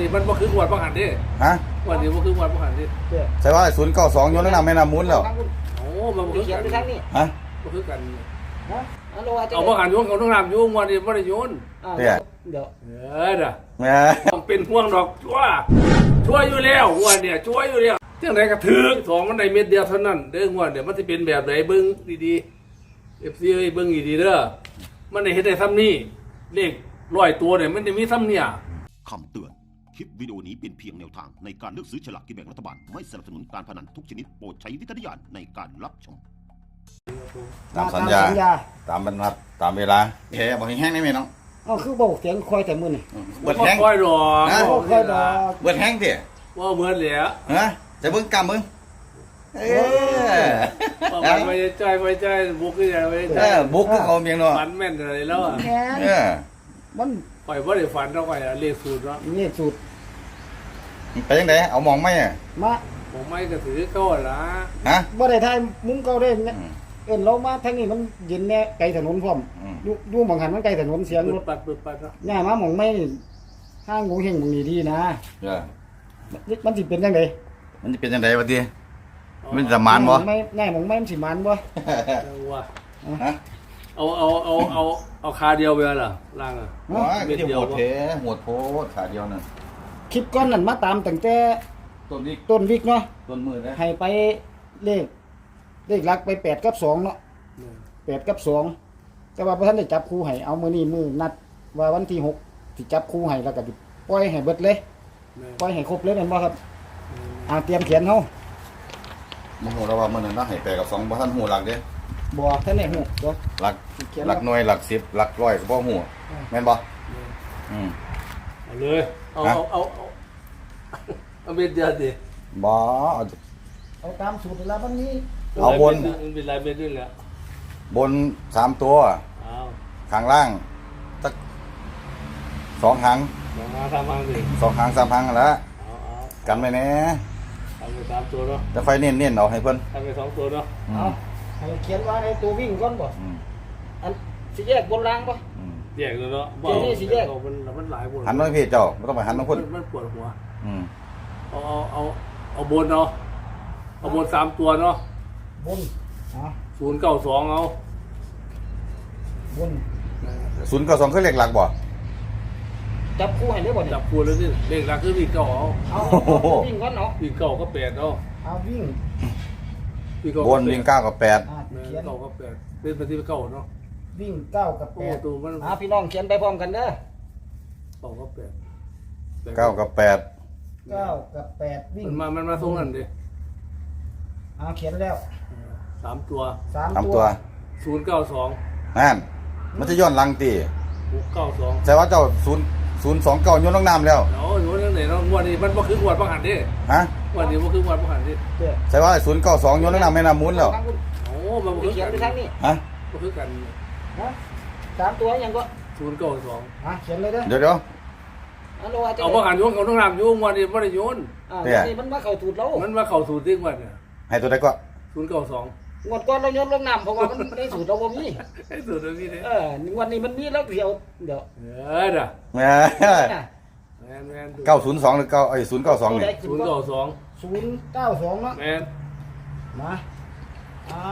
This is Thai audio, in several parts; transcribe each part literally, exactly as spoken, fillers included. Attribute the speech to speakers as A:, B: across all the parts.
A: นี้มันบ่คืองวดบ่หันดิ
B: ฮะ
A: งวดนี้บ่คืองวดบ่หันดิ
B: ใช่ว่าศูนย์เก้าสองโยนแล้วนำแม่น้ำมูลแล้ว
A: โอ้มันบ่คือกัน
B: ฮะ
A: บ่คือกัน
C: ฮะ
A: เอาบ่หันโยนเขาต้องน้ำโยนงวดนี้บ่ได้โยน
C: เดี๋ยวเดี๋ยว
A: เออเด้อ
B: แม่
A: ต้องเป็นห่วงดอกชั่วชั่วอยู่แล้วงวดเนี่ยชั่วอยู่แล้วจังได๋ก็ถึกสองมันได้เม็ดเดียวเท่านั้นเด้องวดเดี๋ยวมันสิเป็นแบบไหนเบิ่งดีๆ เอฟ ซี เอ้ยเบิ่งดีๆเด้อมันได้เฮ็ดได้ซ้ำนี้เลขร้อยตัวเนี่ยมันจะมีซ้ำเนี่ย
D: คำเตือนคลิปวิดีโอนี้เป็นเพียงแนวทางในการเลือกซื้อฉลากกินแบ่งรัฐบาลไม่สนับสนุนการพนันทุกชนิดโปรดใช้วิจารณญาณในการรับชม
B: ตามสัญญาตามบรรทัดตามเวลาแค่บอกแห้งได้ไหมน้อง
C: อ๋อคือบอกเสียงคอยแต่มือนี่
B: เบิดแห้ง
A: ค่อยดอก
B: นะ
C: ค่อยดอก
B: เบิดแห้งดิ
A: ว่าเบิดแล้ว
B: ฮะจะเบิ่งกำมึงเออ
A: ไปใจไปใจบุกขึ้นไปใจ
B: บุกคือเขาเมียงเนาะ
A: ฝันแม่นอะไรแล้วอ่ะ
B: เออ
C: มัน
A: ปล่อยบ่ได้ฝันเท่าไหร่เลขสูตรเนาะ
C: เลขสูตร
B: ไปยังไงเอามองไหมอ่ะ
C: มา
A: ผมไม่ก็ถือเข้าละ
B: ฮะ
C: บ่ได้ทายมุ้งเก่าได้เอิ้นเรามาทางนี้มันเย็นแน่ไกลถนนพร้อมอยู่อยู่หม่องหันมันไกลถนนเสียงรถ
A: ปัดปัดปัดเนาะ
C: ย่ามาหม่องไม่ห้างงูเฮงหม่องนี้ดีนะ
B: เออ
C: มันสิเป็นจังได๋
B: มันสิเป็นจังได๋วะติมันจะมานบ่
C: ไม่แน่หม่องไม่มันสิมานบ่
A: ว่าฮะเอาเอาเอาเอาเอาคาเดียวไปล่ะล่างอ่ะ
B: อ๋อเม็ดเดียวโหดแท้โหดโพดขาเดียวนั่น
C: คลิปก่อนนั่นมาตามตั้งแต่
B: ต้นวิก
C: ต้นวิกเนาะ
B: ต้นมือนะ
C: ให้ไปเลขเลขหลักไปแปดกับสองเนาะแปดกับสองแต่ว่าพระท่านได้จับคู่ให้เอามื้อนี้มื้อนัดว่าวันที่หกสิจับคู่ให้แล้วก็สิปล่อยให้เบิดเลยปล่อยให้ครบเลยแม่นบ่ครับอ่าเตรียมเขียนเฮา
B: บ่ฮู้แล้วว่ามื้อนั้นเนาะให้แปดกับสองบ่ทันฮู้หลักเด้
C: บ่ท่านได้ฮู้บ่
B: หลักหลักหน่วยหลักสิบหลักร้อยก็บ่ฮู้แม่นบ่อืม
A: เอาเลยเอาเอาเอาเอาเม็ดเดียวดิ
B: บ่
C: เอาเอาตามสูตรแล้วมันนี้
B: เอาบน
A: มันเป็นลายเม็ดนี่แหละ
B: บนสามตัวข้างล่างสักสองหาง
A: สองหางสามหางสิ
B: สองหางสามหางแล้วกันไปแน่
A: ทำไปสามตัวเนาะ
B: จะไฟเน้นเน้นเอาให้เพิ่น
A: ทำไปสองตัวเนาะ
C: เอาให้เขียนว่าในตัววิ่งก่อนบ่อันสิแยกบนล่างบ่
A: แยกเลยเนาะ
C: บ่นี่สิแยก
A: มันมันหลายบน
B: หันมาพี่เจ้าไม่ต้องไปหันมาคน
A: มันปวดหัว
B: อืม
A: เอาเอาเอาเอาบนเนาะเอาบนสามตัวเนาะ
C: บนอ๋อ
A: ศูนย์เก้าสองเอา
C: บน
B: ศูนย์เก้าสองคือเลขหลักบ่
C: จับคู่ให้ได้บ่
A: จับคู่เลยสิเลขหลักคือวิ่งเก้าเอา
C: เอาวิ่งก่อนเนาะ
A: วิ่งเก้าก็แปดเอา
C: เอาวิ่ง
B: บนวิ่งเก้ากับแปด
A: เก้ากับแปดเป็นปฏิบัติเก้าเนาะ
C: วิ่งเก้ากับแปดอ่าพี่น้องเขียนไปพร้อมกันเด้อ
A: เก้ากับแปด
B: เก้ากับแปด
C: เก้ากับแปดวิ่ง
A: มันมามันมาตรงนั้นดิ
C: อ่าเขียนแล้ว
A: สามตัว
C: สามตัว
A: ศูนย์เก้าสอง
B: นั่นมันจะย้อนหลังตี
A: หกเก้าสอง
B: แต่ว่าเจ้าศูนย์ศูนย์สองเก้าโยนลงน้ำแล้ว
A: เนาะโยนยังไหนเนาะวันนี้มันบ่คืองวดบ่หันดิ
B: ฮะ
A: วันนี้บ่คืองวดบ่หันดิ
B: ใช่ว่าศูนย์เก้าสองโยนลงน้ำแม่น้ำมูลแล้ว
A: โอ้มันบ่คือ
C: เขียนไปทางนี้
B: ฮะ
A: บ่คือกัน
C: ฮะสามตัวยังก็
A: ศูนย์เก้าสอง
C: อ่ะเขียนเลยเด้อ
B: เดี๋ยวเดี๋ยว
A: เอาบ่หันโยนเขาต้องน้ำโยนวันนี้บ่ได้โยน
C: อ่านี่มันมาเข้าสูตรแล้ว
A: มันมาเข้าสูตรจริงวันเนี่ย
B: ให้ตัวใดก็
A: ศูนย์เก้าสอง
C: งวดก่อนเราโยนลงน้ำเพราะว่ามันได้สูตรเราบ่มี
A: ไอ้สูตรเรามีเด้
C: เออวันนี้มันมีแล้วเดี๋ยวเดี๋ยว
A: เออเด้อ
B: แม่เก้าศูนย์สองหรือเก้าไอ้ศูนย์เก้าสองนี่
A: ศูนย์เก้าสอง
C: ศูนย์เก้าสองเนาะ
A: แม่น
C: มาเอา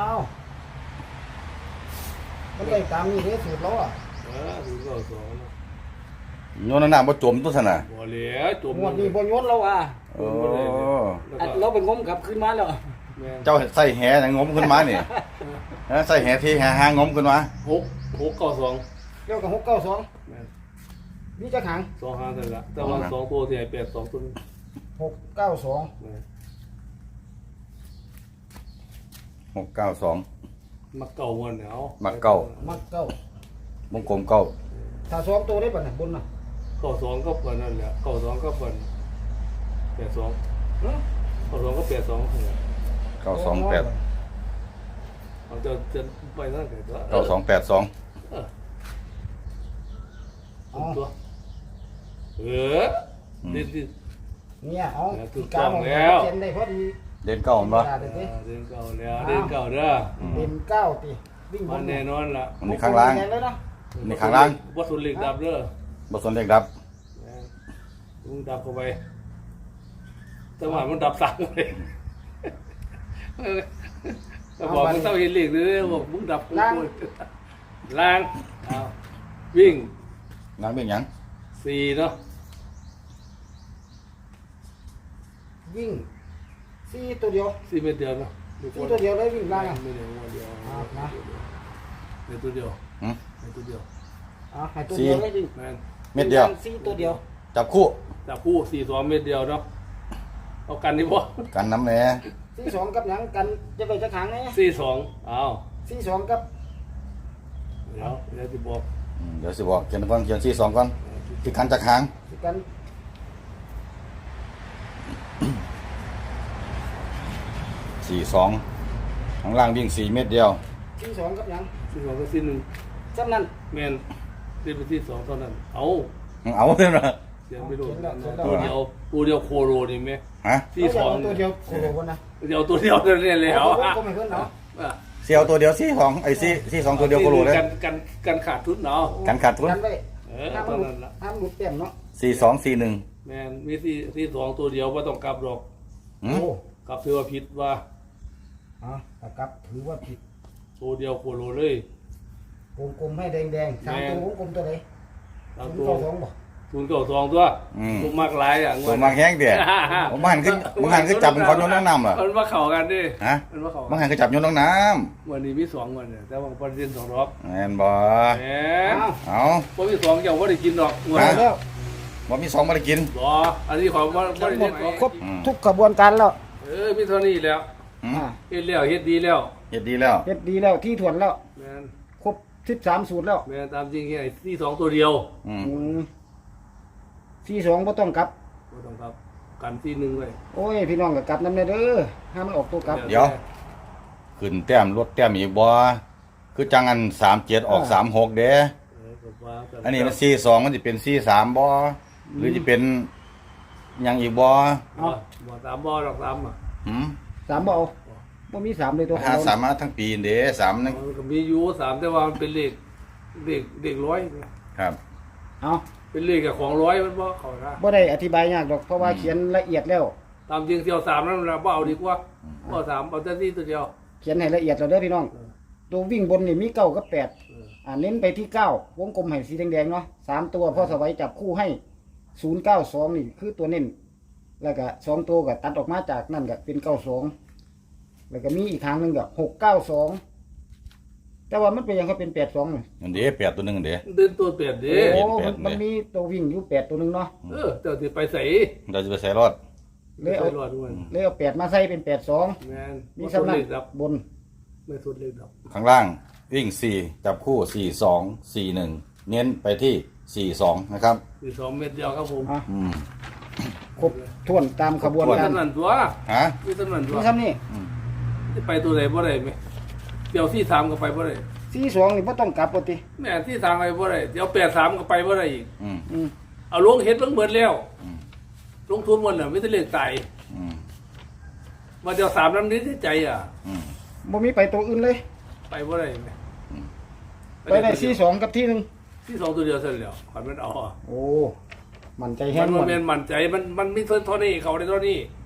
C: มันได้ตามนี้เด้สูตรเราอ่ะ
A: เออศูนย์เก้าสอง
B: โยนน้ำบ่จมตัวซั่นน่ะ
A: บ่เหลือจม
C: งวดนี้บ่โยนเราอ่ะ
B: โอ้
C: เราไปงมกลับขึ้นมาแล้ว
B: เจ้าใส่แหยังงมขึ้นมานี่ใส่แหที่แหหางมขึ้นมา
A: หกหกเก้าสอง
C: เรียกกับหกเก้าสองนี่จะขัง
A: สองหางเสร็จละแต่ว่าสองตัวที่ไอ้แปดสองตัว
C: หกเก้าสอง
B: หกเก้าสอง
A: มักเก่าวันเนี่ยเอา
B: มักเก่า
C: มักเก้า
B: วงกลมเก้า
C: ถ้าสองตัวได้ป่ะเนี่ยบนน่ะ
A: เก้าสองก็เปิดนั่นแหละเก้าสองก็เปิดแปดสองเก้าสองก็แปดสอง
B: เก้าสองแปด
A: เอาจะจะไปนั่นเกิด
B: เก้าสองแปดสอง
A: ตัวเออเด่นดิ
C: เนี่ยเอาถูกต้องแล้วเด่นได้พอดี
B: เด่นเก้ามั้ย
A: เด่นเก้าแล้วเด่นเก้าเด้อ
C: เด่นเก้าติ
A: วิ่งบนแน่นอนล่ะ
B: นี่ข้างล่างนี่ข้างล่าง
A: บ่สนเหล็กดับเด้อ
B: บ่สนเหล็กดับ
A: มึงดับเข้าไปแต่ว่ามันดับสั่งเลยก็บอกมึงเศร้าเห็นเหล็กเลยบอกมึงดับกูล้างเอาวิ่ง
B: ล้างเป็นหยัง
A: สี่เนาะ
C: วิ่งสี่ตัวเดียว
A: สี่เมตรเดียวเนาะ
C: สี่ตัวเดียวเลยวิ่งล่างอ่ะ
A: ไม่เดียวเดียว
C: อ่านะ
A: เดียวตัวเดียว
B: หืม
A: เดียวตัวเดียว
C: อ่าให้ตัวเดียวเลยวิ่ง
A: แม่น
B: เม็ดเดียว
C: สี่ตัวเดียว
B: จับคู่
A: จับคู่สี่สองเมตรเดียวเนาะเอากันดิบ่
B: กันน้ำแหน่
C: สี่สองกับหยังกันจะไปจะขังไง
A: สี่สองเอา
C: สี่สองกับ
A: เดี๋ยวเดี๋ยวจะบอก
B: อืมเดี๋ยวสิบอกเขียนก่อนเขียนสี่สองก่อนที่กันจากหาง
C: กัน
B: สี่สองข้างล่างวิ่งสี่เม็ดเดียว
C: สี่สองกับหยัง
A: สี่สองก็สี่หนึ่ง
C: จำนั้น
A: แมนเรียนไปที่สองเท่านั้น เอา
B: เอาเพื่อนมา
A: เสียงไม่รู้
C: เขียนแล้วเขียนแล้ว
A: ตัวเดียวตัวเดียวโคโรนี่ไหม
B: ฮะ
A: ที่สอง
C: ตัวเดียวโอ้โหนะ
A: เดียวตัวเดียวเนี่ยเลยเหรอ
C: ก็ไม่เพิ่นเนาะ
B: เสียวตัวเดียวสี่สองไอ้สี่สี่สองตัวเดียวก็รู้เลย
A: กันกันกันขาดทุนเนาะ
B: กันขาดทุน
C: กันไว้
A: เออ
C: ห้าม
A: ตอน
C: หลุ
A: นั้
C: ด
A: นละ
C: ห้ามหลุดเต็มเนาะ
B: สี่สองสี่หนึ่ง
A: แมนมีที่ที่สองตัวเดียวว่าต้องกลับหรอก
B: หืม
C: โอ้
A: กลับถือว่าผิดว่า
C: อ่ะแต่กลับถือว่าผิด
A: ตัวเดียวโคโรเลย
C: วงกลมให้แดงๆสามตัววงกลมตัวไหน
A: ตาม
C: ศูน
A: ตั
C: ย์
A: ว
C: เก้าสองบ่
A: ทุนเก่าสองตัวตัวมากหลายอ่ะง
B: ตัววมากแห้งเดียผมหันขึ้นผมหันขึ้นจับเป็นคนโยนน้ำน้ำเหรอ
A: มันมาเข่ากันดิ
B: ฮะ
A: มันมาเข่า
B: ผมหันขึ้นจับโยนน้ำน้
A: วันนี้มีสองวันเนี่ยแต่ว่าประเด็นสองรอบ
B: ำแอนบอ
A: แหม
C: อ้าว
B: เอา
A: พอมีสองเจ้าว่าได้กินดอกเงิน
B: ฮะ
C: แล้ว
B: บอมีสองมาได้กิน
A: รออันนี้ของว่าไม่ได้เฮ็ดของ
C: ครบทุกกระบวนการแล้ว
A: เออมีเท่านี้แล้ว
B: หืม
C: อ่า
A: เฮ็ดแล้วเฮ็ดดีแล้ว
B: เฮ็ดดีแล้ว
C: เฮ็ดดีแล้วที่ถ่วนแล้ว
A: แมน
C: ครบสิบสามสูตรแล้ว
A: แมนตามจริงแค่ที่สองตัวเดียว
B: อืม
C: อืมสี่สองบ่ต้องกลับ
A: ก็ต้องครับกันที่หนึ่งไว้
C: โอ้ยพี่น้องก็กลับนำเด้อห้ามมันออกตัวกลับ
B: เดี๋ยว ขึ้นแต้มลดแต้มอีกบ่คือจังอันสามเจ็ดออกสามหกเด้
A: เออก็ว่ากั
B: อันนี้มันสี่สองมันจะเป็นสี่สามบ่หรือจะเป็นหยังอีกบ่
A: บ่บ่ตามบ่ดอกตามอ่ะ
B: หืม
C: สามบ่เอาบ่มีสามเลยตัวขอ
B: หาง
C: เรา
B: สามมาทั้งปีเด้สามนั่น
A: มันก็มีอยู่สามแต่ว่ามันเป็นเลขเลขเลขร้อย
B: ครับ
C: เอา
A: เป็นเลขกับของร้อยมันบ่เข้านะ
C: บ่ได้อธิบายยากดอกเพราะว่าเขียนละเอียดแล้ว
A: ตามจริงเที่ยวสามนั่นเราบ่เอาดีกว่าบ่เอาสามเอาแต่ที่ตัวเดียว
C: เขียนให้ละเอียดแล้วเด้อพี่น้อง ตัววิ่งบนนี่มีเก้ากับแปด
A: เออ
C: อ่าเน้นไปที่เก้าวงกลมให้สีแดงๆเนาะสามตัวพ่อสวัยจับคู่ให้ศูนย์เก้าสองนี่คือตัวเน้นแล้วก็สองตัวก็ตัดออกมาจากนั่นก็เป็นเก้าสองแล้วก็มีอีกทางหนึ่งก็หกเก้าสองแต่ว่ามันเป็นยังเขาเป็นแปดสอง
B: อันเด้แปดตัวหนึงอันเด้
A: เดินตัวเปลี่ยนดิ
C: โอ้
B: แปด
C: มัน
B: แปด
C: มีตัววิ่งอยู่แปดตัวหนึ่งเนาะ
A: เออเจ้าสิไปใส่
B: เราจะไปใส่รอด
C: เลยเอา
A: ไปรอดด้วย
C: เลยเอาแปดมาใส่เป็นแปดสอง
A: แมน
C: มี
A: มี
C: สำนั
A: เล
C: ก
A: ขดับบ
C: น
A: ไม่สุดเลขดับ
B: ข้างล่างวิ่งสี่จับคู่สี่สองสี่หนึ่งเน้นไปที่สี่สองนะครับ
A: คือสองเม็ดเดียวครับผม
C: อ่ะ
B: อืม
C: ครบถ้วนตามขบวน
A: มี
C: การ
A: สำนันตัว
B: ฮะ
A: มีสำนันตัว
C: นี่ซ้ำนี่
A: ที่ไปตัวไหนบ่ได้ไหมเดี๋ยวที่สามก็ไปบ่ได้
C: สี่สองนี่ไม่ต้องกลับปกติ
A: แม่ที่สามไปบ่ได้เดี๋ยวแปดสามก็ไปบ่ได้อีก
B: อืม
C: อืม
A: เอาลงเฮ็ดลงเบิดแล้ว
B: อืม
A: ลงทุนหมดน่ะไม่ได้เลขตาย
B: อืม
A: มาเดี๋ยวสามน้ำนี้ที่ใจอ่ะ
B: อืม
C: บ่มีไปตัวอื่นเลย
A: ไปบ่ได้ไหม
C: ไปได้สี่สองกับที่หนึ่ง
A: ที่สองตัวเดียวเสร็จแล้วขันมันเอาอ่ะ
C: โอ้ มันใจ
A: มั
C: แห้
A: น
C: งหม
A: มัน
C: ด
A: เป็นมั่นใจมันมันไม่เท่านี้เขาได้เท่านี้
B: อ